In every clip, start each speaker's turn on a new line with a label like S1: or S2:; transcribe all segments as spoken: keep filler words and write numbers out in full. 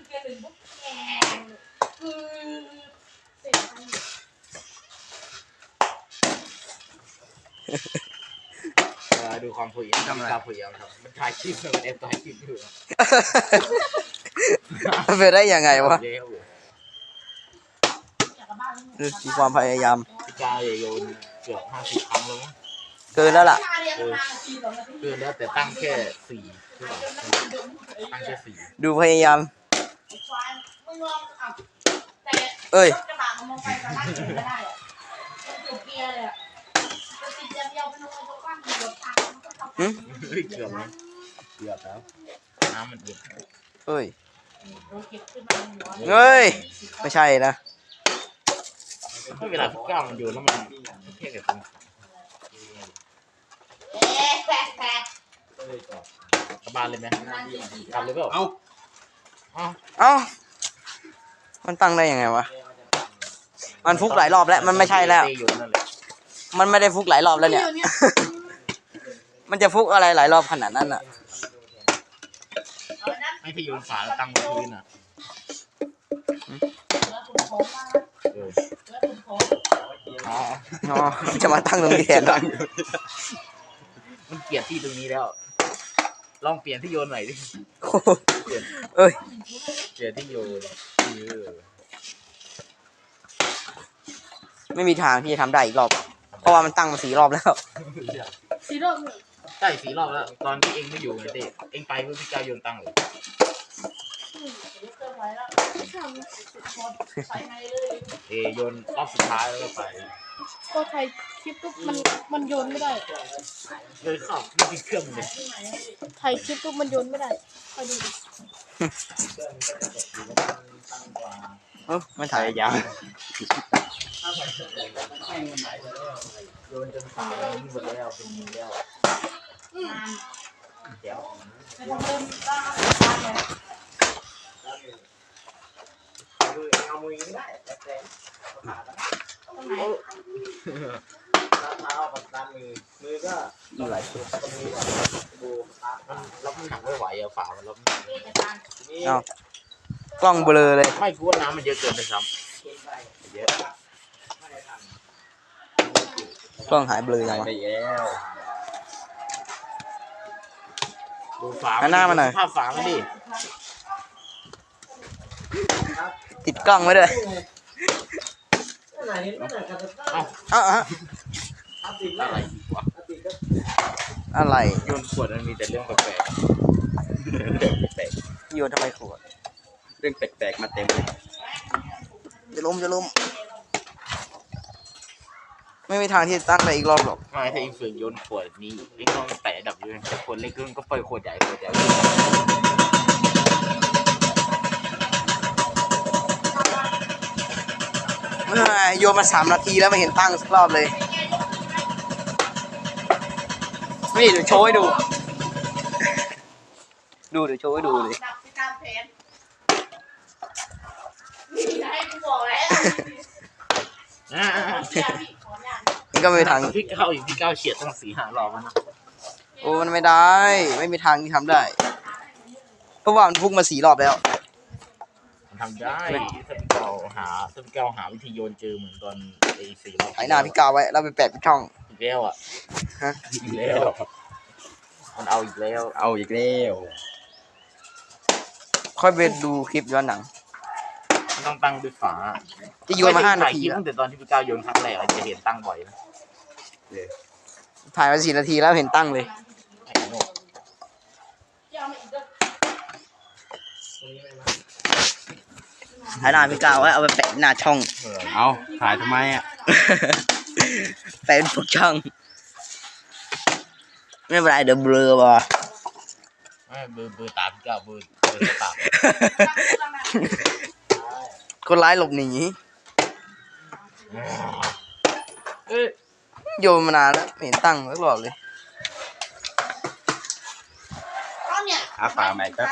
S1: ดูความพยายามทำอะไรพยายามทำมันถ่ายคลิปมันเอ็นถ่ายคลิปอยู่
S2: มันเป็นได้ยังไงวะมีความพยายาม
S1: พี่กายโยนเกือบห้าสิบครั้งแล้วมั้ง
S2: เกินแล้วล่ะ
S1: เกินแล้วแต่ตั้งแค่สี่ตั้งแค่สี่
S2: ดูพยายามเอ้ย
S1: เกือบแล้วเกือบแล้วน้ำมันเย็น
S2: เอ้ยเฮ้ยไม่ใช่นะ
S1: ไม่เวลาพี่ก้าวมันโยนแล้วมันแค่กับตรงกลับบ้านเลยไหมกลับเลยเปล่าเอา
S2: เอาเอามันตั้งได้ยังไงวะมันฟุกหลายรอบแล้วมันไม่ใช่แล้วมันไม่ได้ฟุกหลายรอบแล้วเนี่ยมันจะฟุกอะไรหลายรอบขนาดนั้นอ่ะ
S1: ไม่ที่โยนฝาแล้วตั้งบนพื้นอ่ะ
S2: อ๋อจะมาตั้งตรงนี้แทน
S1: มันเกลียดที่ตรงนี้แล้วลองเปลี่ยนที่โยนใหม่ดิ
S2: เอ้ย
S1: เปลี่ยนที่โยน
S2: ไม่มีทางที่จะทำได้อีกรอบเพราะว่ามันตั้งมาสี่รอบแล้ว
S1: สี่รอบใช่สี่รอบแล้วตอนที่เองไม่อยู่ไงเต้เองไปเพื่อพี่เจ้าโยนตั้งเลยเอโยนรอบสุดท้ายแล้วก็ไป
S3: ก็ไทยคลิปปุ๊บมันมันโยนไม่ได้
S1: โยนเข้าไม่ติดเครื่องเลย
S3: ไทยคลิปปุ๊บมันโยนไม่ได้คอยดูดิ
S2: เออมันถ่ายยาว
S1: โยนจนตายหมดแล้วเป็นมือแล้วเดี๋ยวเอามือไม่ได้แต่แต่เท้ากับด้านมือมือก็หลายตัวมือดูมันรับน้ำหนักไม่ไหวอะฝามันรับน้ำหนัก
S2: เอากล้องเบลอเลย
S1: ไม่กลัวน้ำมันเยอะเกินไปซ้ำเยอะ
S2: กล้องหายเบลอยังวะ
S1: ดูฝา
S2: หน้ามันหน่อย
S1: ภาพฝามันดิ
S2: ติดกล้องไว้ด้วยเอาเอา
S1: อะไรวะ
S2: อะไร
S1: โยนขวดมันมีแต่เรื่องแปลก
S2: ๆโยนทำไมขวด
S1: เรื่องแปลกๆมาเต็มเลย
S2: จะล้มจะล้มไม่มีทางที่จะตั้งได้อีกรอบหรอก
S1: ไม่ถ้าเองฝึกโยนขวดนี้เองต้องแตะดับอยู่แต่ขวดเล็กก็ปล่อยขวดใหญ่ขวดใหญ่
S2: โยนมาสามนาทีแล้วไม่เห็นตั้งสักรอบเลยนี่เดี๋ยวโชว์ให้ดูดูเดี๋ยวโชว์ให้ดูเลยนี่ก็ไม่มีทาง
S1: พี่เก้าอยู่พี่เก้าเฉียดตั้งสี่ห้ารอบนะ
S2: โอ้มันไม่ได้ไม่มีทางที่ทำได้เพราะว่ามันพุ่งมาสี่รอบแล้ว
S1: ทำได้ถ้าพี่เก้าหาถ้าพี่เก้าหาวิธีโยนเจอเหมือนตอนไอ้สี่รอบ
S2: ถ่ายหน้าพี่เก้าไว้แล้วไปแปะช่อง
S1: อีกแล้วอ่ะ
S2: ฮะ
S1: อีกแล้วมันเอาอีกแล้ว
S2: เอาอีกแล้วค่อยไปดูคลิปย้อนหนัง
S1: มันต้องตั้งด้วยฝา
S2: จะโยนมาห้านาที
S1: ตั้งแต่ตอนที่พี่เก้าโยนครั้งแรกจะเห็นตั้งบ่อยนะ
S2: ถ่ายมาสี่นาทีแล้วเห็นตั้งเลยถ่ายหน้าพี่เก้าไว้เอาไปแปะหน้าช่อง
S1: เอาถ่ายทำไมอ่ะ
S2: แปะเป็นพวกช่องไม่เป็นไรเดี๋ยวเบลอว่ะ
S1: ไม่เบลอเบลอตาพี่เก้าเบลอเบลอตา
S2: คนร้ายหลบหนีโยนมานานแล้วไม่เห็นตั้งสักรอบเลย
S1: หาฝาใหม่ครับ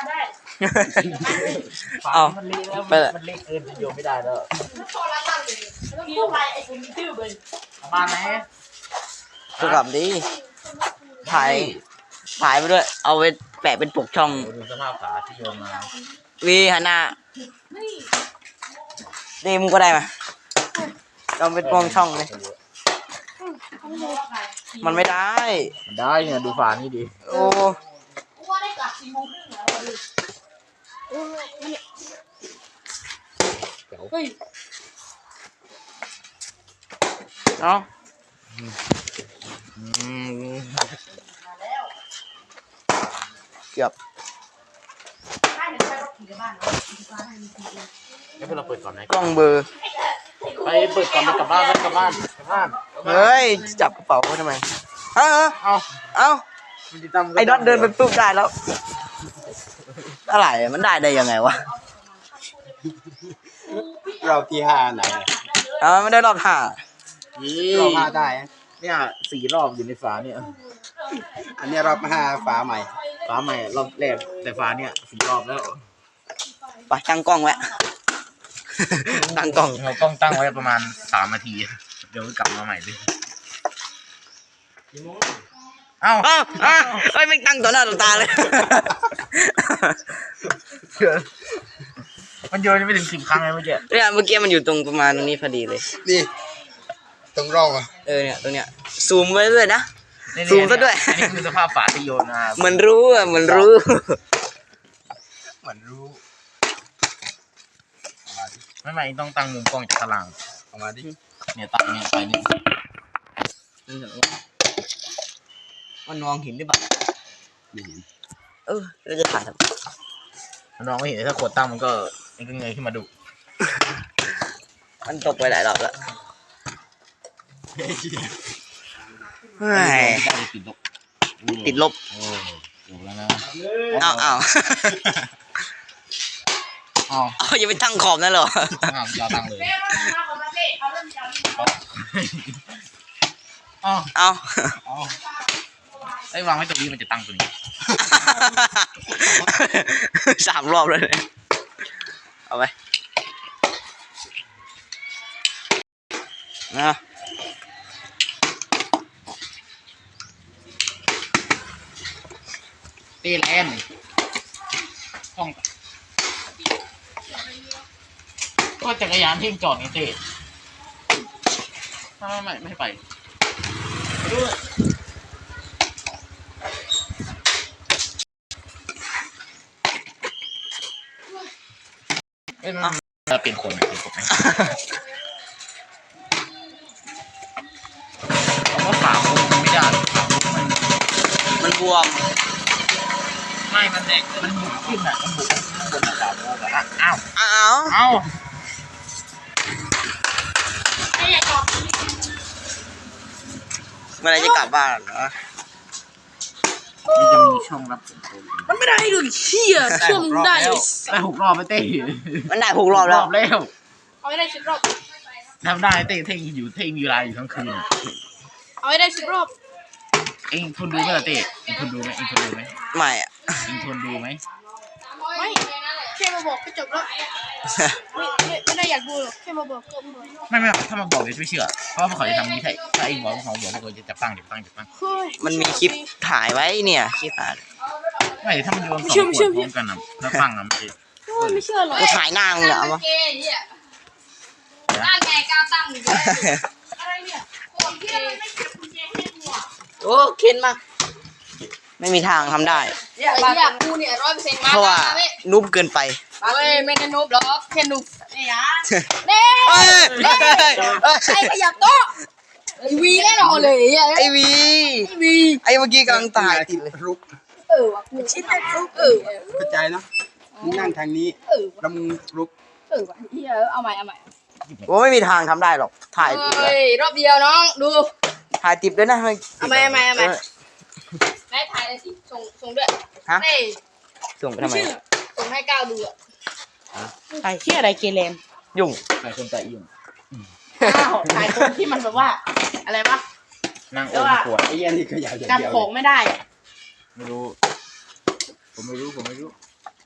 S2: เอา
S1: มันเละแล้วมันเละเกินโยนไม่ได้แล้วบ้านไหน
S2: สุกับดีถ่ายถ่ายไปด้วยเอาไปแปปะเป็นปกช่อง
S1: ดูสภาพฝาที่โยนมา
S2: วีหันหน้าดีมึงก็ได้มาลองเป็นปกช่องเลยมันไม่ได้
S1: มันได้เนี่ยดูฝานี่ดิ
S2: โอ้
S3: ว่าได้กลับสี่โมงครึ่งแล้วเฮ้ย
S2: เนาะ
S1: อืม
S2: เกือบ
S1: ให้พวกเราเปิดก่อนไหม
S2: กล้องเบอร์
S1: ไปเปิดก่อนไปกลับบ้านไปกลับบ้านกลับบ้าน
S2: เฮ้ยจับกระเป๋าเขาทำไมเอ้า
S1: เอา
S2: เอ้า
S1: มันจะจำ
S2: ไอ้น็อตเดินไปปุ๊บได้แล้วอะไรมันได้ได้ยังไงวะ
S4: เราที่ห้าไหน
S2: เอ้าไม่ได้รอบห้า
S1: นี่
S4: รอบห้าได้
S1: เนี่ยสี่รอบอยู่ในฝาเนี่ย
S4: อันนี้รอบห้าฝาใหม่
S1: ฝาใหม่รอบแรกแต่ฝาเนี่ยสี่รอบแล้ว
S2: ไปตั้งกล้องไว้ ตั้งกล้อง
S1: เราต้องตั้งไว้ประมาณสามนาทีเดี๋ยวกลับมาใหม่เลยเอ้า
S2: อ้าวอ้าวเอ้ยไม่ตั้งต่อหน้าต่อตาเลย
S1: มันโยนไม่ถึงสิบครั้งเลยเมื่อกี้
S2: เนี่ยเมื่อกี้มันอยู่ตรงประมาณตรงนี้พอดีเลย
S4: นี่ ตรงร่องอ่ะ
S2: เออเนี่ยตรงเนี้ยซูมไว้ด้วยนะ
S1: นี่ๆ
S2: ซูมซะด้วย
S1: อันนี้คือสภาพฝาที่โยนมา
S2: เหมือนรู้อ่ะเหมือนรู้
S4: เหมือนรู้
S1: ไม่ไม่ต้องตั้งมุมกล้องจากข้างหลัง
S4: ออกมาดิ
S1: เนี่ยตั้งเนี่ยไปนี่
S2: มันมองเห็นหรือเปล่า
S4: ไม่เห็น
S2: เออเราจะถ่ายทำไม
S1: น้องไม่เห็นถ้าขวดตั้งมันก็มันก็เงยขึ้นมาดู
S2: มันตกไปหลายรอบแล้วเฮ้ย
S1: ได้ติดลบ
S2: ติดลบ
S1: โอ้จบแล้วนะ
S2: อ้าวอ้าว
S1: อ้าว
S2: เอาอย่าไปตั้งขอบนั่นเหรอ
S1: อ้าวจะตั้งเลยอ้าว
S2: เอา
S1: อ้าวไอ้วางไว้ตรงนี้มันจะตั้งตรงนี้
S2: สามรอบเลยเอาไปนะ
S1: ตีแลนด์ห้องก็จักรยานที่จอดนี่เต้ไม่ไม่ไม่ให้ไปไปด้วยเอ้ยมันจะเป็นคนเป็นคนไหมเขาก็ฝาคุมไม่ได้ฝาคุมมัน
S2: มันบวม
S1: ไม่มันแดกมันบุกขึ้นอ่ะมันบุกข้างบนอ่ะฝาคุมอ่ะอ้าว
S2: อ้าว
S1: อ้าว
S2: เมื่อไรจะกลับบ้านเหรอ
S1: มันจะมีช่องรับผลโทร
S3: มันไม่ได้ดูเชี่ยช่วงได้
S1: ได้หกรอบไปเต้
S2: มันได้หกรอบแล้ว
S1: แล้ว
S3: เอาให้ได้สิบรอบ
S1: ทำได้เต้เท่งอยู่เท่งมีเวลาอยู่ทั้งคืน
S3: เอาให้ได้สิบรอบ
S1: เองทนดูไหมล่ะเต้เองทนดูไหมเองทนดูไหม
S2: ไม่อะ
S1: เองทนดูไหม
S3: ไม่แค่มาบอกก็จบแล้วไม่ไม่ไม่ได้อยากดูหรอกแค่มาบอกก็พอ
S1: ไม่ไม่ถ้ามาบอกเดี๋ยวไม่เชื่อเพราะว่าเขาจะทำนี้ใช่ถ้าเองบอกว่าเขาบอกว่าเขาจะจับตั้งจับตั้งจับตั้ง
S3: เฮ้ย
S2: มันมีคลิปถ่ายไว้เนี่ยคลิปถ่าย
S1: ไม่ถ้ามันโยนสองขวดพร้อมกันอ่ะแล้วตั้งอ่ะมันจะ
S3: โอ้ยไม่เชื่อหรอก
S2: กูถ่ายหน้ามึงเหรอวะ
S3: ตั้งไงก้าวตั้งอยู่อะไรเนี่ยโอ้ยเหี้ยมันไม่เก็บกุญแจให้กูอ่ะ
S2: โอ้เข็นมาไม่มีทางทำได้
S3: เนี่ยบ้านกูเนี่ยร้อยเปอร์เซ็นต์มา
S2: เพราะว่านุบเกินไป
S3: เฮ้ยไม่ได้นุบหรอกแค่นุบเนี่ยเน่
S2: เอ้ยเอ้ยเอ้ย
S3: ไอ้ขยับโต๊ะไอ้วีแน่นอนเลยไอ้
S2: ไอวี
S3: วี
S2: ไอเมื่อกี้กำลังถ่ายติดเลย
S4: รุก
S3: เออว่ะกูชิดได้รุกเออ
S4: เข้าใจเนาะมึงนั่งทางนี้
S3: เออ
S4: แล้วมึงรุก
S3: เออว่ะเฮียเอาใหม่เอาใหม่
S2: โอ้ไม่มีทางทำได้หรอกถ่ายติดเล
S3: เฮ้
S2: ย
S3: ยรอบเดียวน้องดู
S2: ถ่ายติดด้วยนะไม่
S3: เอาไหมเอาไหมเอาไหม แม่ถ่ายเลยสิส่งส่งด้วย
S2: ฮะ
S3: เฮ้ย
S2: ส่งไปทำไม
S3: ส่งให้ก้าวดูอ่ะ
S5: ถ่ายที่อะไรเกเรน
S2: ยุ่ง
S1: ใครคนแต่อิ่ม
S5: อ้าวถ่ายคนที่มันแบบว่า อะไรวะ
S1: นั่งโอมขวด
S4: ไอ้เหี้ยนี่ก็ยาวอย่าง
S5: จำ
S4: เดียว
S5: ของไม่ได้อะ
S1: ไม่รู้ผมไม่รู้ผมไม่รู้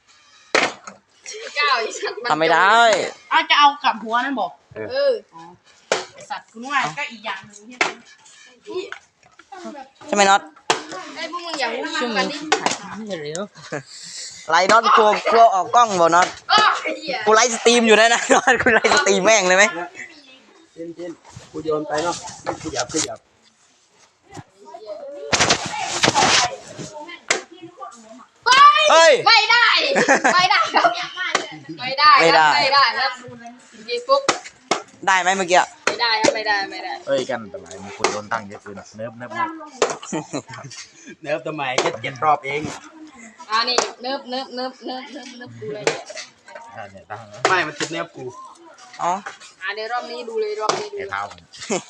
S3: ก้าวอีสัตว์น
S2: ทำไม่ได้
S5: อ้าวจะเอากลับหัวนั่นบอก
S3: เออ
S5: ไอสัตว์คุณว่าก็อีกอย่างหนึ่งที่
S2: ใช่ไหมน็อต
S3: ไอ้พวกมึงอย่าพูดมากกันดิ
S2: ไลน์น็อตกลัวกลัวออกกล้องบ่น็อต
S3: อ้อไอ้เหี้ย
S2: กูไลฟ์สตรีมอยู่นะนะน็อตกูไลฟ์สตรีมแม่งเลยไหม
S4: เช่นเช่นกูโยนไปเนาะไม่ขยับขยับ
S2: เฮ้ย
S3: ไม่ได้ไม่ได้ครับไม่ได้
S2: ไม่ได้
S3: ไม่ได้ครับยีปุ๊บ
S2: ได้ไหมเมื่อกี้อะ
S3: ไม่ได้ครับไม่ได้ไม่ได้
S1: เอ้ยกันแต่ไรมีคนโดนตั้งเยอะเกินเนิบเนิบเนิบ
S4: เนิร์ฟทำไมแค่เจ็ดรอบเอง
S3: อ่านี่เนิบเนิบเนิบเนิบเนิบเนิบดูเลยเนี่ย
S1: อ่าเนี่ยตั้ง
S4: ไม่มันติดเนิร์ฟกู
S2: อ๋อ
S3: อ่าเดี๋ยวรอบนี้ดูเลยรอบนี้ดู
S1: ไอ้เท้าผม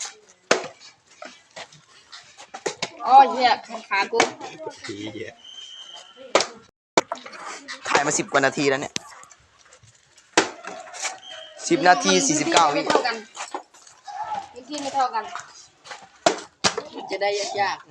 S3: อ๋อเหี้ยขากู
S4: ผีเหี้ย
S2: ถ่ายมาสิบกว่านาทีแล้วเนี่ยสิบนาทีสี่สิบเก้าวิ
S3: ไม่เท่ากันพื้นที่ไม่เท่ากัน
S5: จะได้ยาก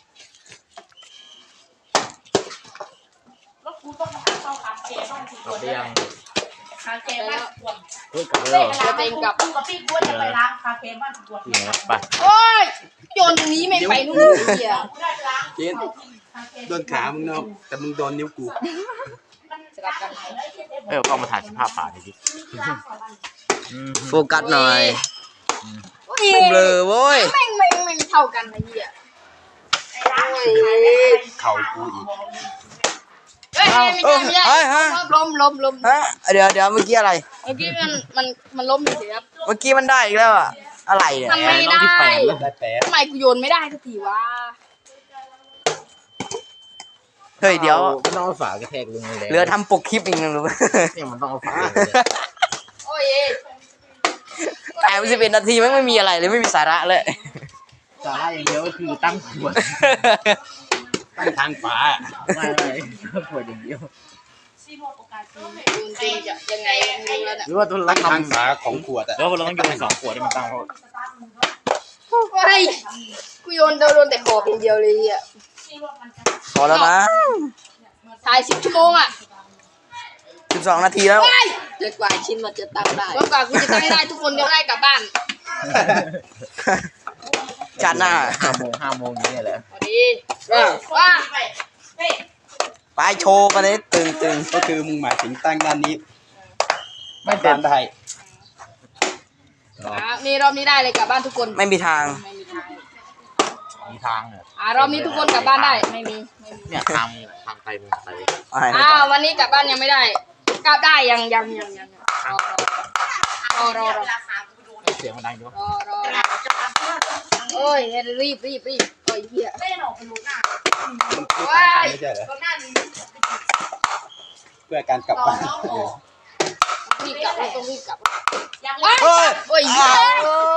S1: กลับไปยัง
S5: คาเฟ่บ้านปวด
S1: เฮ้ยกลับไปแล้ว
S3: จะเป็นกับ
S5: กูกับพี่กูจะไปล้างคาเฟ่บ้านปวด
S1: ที่ไหนไป
S3: โอ้ยโยนตรงนี้ไม่ไปนู่นเหี้ย
S5: กูได้ไปล้าง
S4: เจนโดนขามึงเนาะแต่มึงโดนนิ้วกู
S3: สลับกัน
S1: เอ้ยก็มาถ่ายสภาพป่าดิดิอืม
S2: โฟกัสหน่อย
S3: โอ้ย
S2: เบลอโว้ย
S3: แม่งแม่งแม่งเท่ากันไอ้เหี้ย
S4: เข่ากูอีก
S3: เฮ้ยไม่ใช่ไม่ใช่
S2: เฮ้ยฮะ
S3: ล้มล้มล้ม
S2: ฮะเดี๋ยวเดี๋ยวเมื่อกี้อะไร
S3: เมื่อกี้มันมันมันล้มเฉยๆครับ
S2: เมื่อกี้มันได้อีกแล้วอะอะไรเนี่ย
S3: ทำไม่ได้
S4: ได้แปด
S3: ทำไมกูโยนไม่ได้สักทีวะ
S2: เฮ้ยเดี๋ยว
S1: มันต้องเอาฝากระแทกลงเลย
S2: เหลือทำปกคลิปอีกหนึ่งหรือ
S1: เนี่ยมันต้องเอาฝาลงเลย
S3: โอ้ย
S2: แต่สิบเอ็ดนาทีแม่งไม่มีอะไรเลยไม่มีสาระเลย
S1: สาระอย่างเดียวก็คือตั้งขวด
S4: ตั้งทางฝา
S1: ไม่ไม่ตั้งขวดอย่างเดียว
S3: จริงๆจะยังไงไม่รู้แล้วเนี่ย
S1: หรือว่าตัวเรา
S4: ตั้ง
S1: ท
S4: ทางฝาของขวดอะ
S1: ำแล้วเราต้องโยนสองขวดให้มันตั้งเขา
S3: เฮ้ยกูโยนโดนแต่ขอบอย่างเดียวเลยอ่ะ
S2: พอแล้วนะ
S3: ถ่ายสิบชั่วโมงอ่ะ
S2: สิบสองนาทีแล้ว
S3: เฮ้ย
S5: ๆจนกว่าชิ้นมันจะตั้งได้
S3: จนกว่ากูจะตั้งได้ทุกคนจะได้กลับบ้าน
S2: จัดหน้า
S1: ห้าโมงห้าโมงอย่างนี้แหละ
S3: พอดีว่าว่า
S2: ไปโชว์กันเลยตึงตึง
S4: ก็คือมึงหมายถึงตั้งด้านนี้
S1: ไม่เต็
S4: ด้าม นได้
S3: อ่ะนี่รอบนี้ได้เลยกลับบ้านทุกคน
S2: ไม่มีทาง
S3: ไม่มีทาง
S1: มีทางเนี่ย
S3: อ่ารอบนี้ทุกคนกลับบ้านได้ไม่มีไม่มี
S1: เนี่ยทางทางไตมึงไต
S2: อะไร
S3: อ้าววันนี้กลับบ้านยังไม่ได้ กลับได้ยังยังยังยังรอรอรอรอรอ
S1: เสียงมันดังอยู่
S3: รอรอโอ้ยรีบรีบรีบโอ้ยเหี้ย
S5: ไม่หนอกไปรู้หน้า
S4: มันคือต่างกันไม่ใช่เหรอ
S5: ตรงหน้านี้
S4: เพื่อการกลับบ้านเออ
S3: รีบกลับเราต้องรีบกลับ
S5: ยัง
S3: ว้า
S2: เฮ้ย
S3: โอ้ยเหี้
S2: อ้าวย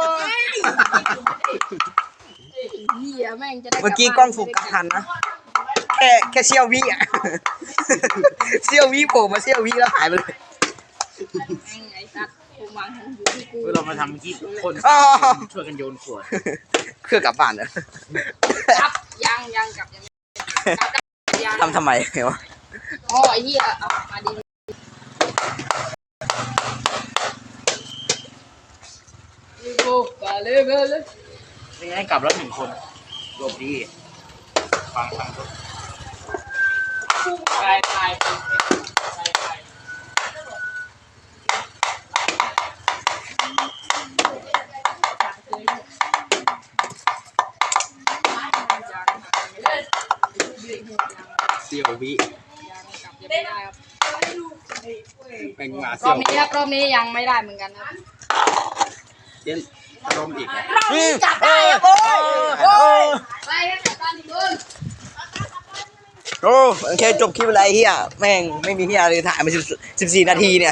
S3: เหี้ยแม่งจะได้
S2: เมื่อกี้กล้องโฟกัสทันนะ แค่แค่เซี่ยววิอ่ะ เซี่ยววิโผล่มาเซี่ยววิแล้วหายไปเลย
S3: แม่งไอ้สัตว์กูวางอยู่ที่กู
S1: เมื่อเรามาทำเมื่อกี้คน
S2: อ้าว
S1: ช่วยกันโยนขวด
S2: เครื่องกลับบ้านนะ
S3: กลับยังยังกลับยังกลับได้ยัง
S2: ทำทำไมวะ
S3: อ๋อไอ้เหี้ยเอามาดีรีบกูไปเลยไปเลย
S1: ไม่งั้นกลับแล้วหนึ่งคนโยมดีฟังฟังก็
S3: ไปไปไปไปยัง
S4: เซี่ยววิ
S3: กลับยังไม่ได้ครับ
S4: แม่งมาร
S3: อ
S4: เซี่ยว
S3: บนี้ครับรอบนี้ยังไม่ได้เหมือนกันครับ
S4: เจนรมอีกนะ
S2: จับได้โอ้ยโอ้ย
S3: ไปครับกลับบ้านที่มึง
S2: โอ้โอเคจบคลิปอะไรเฮียแม่งไม่มีเฮียเลยถ่ายมาสิบสี่นาทีเนี่ย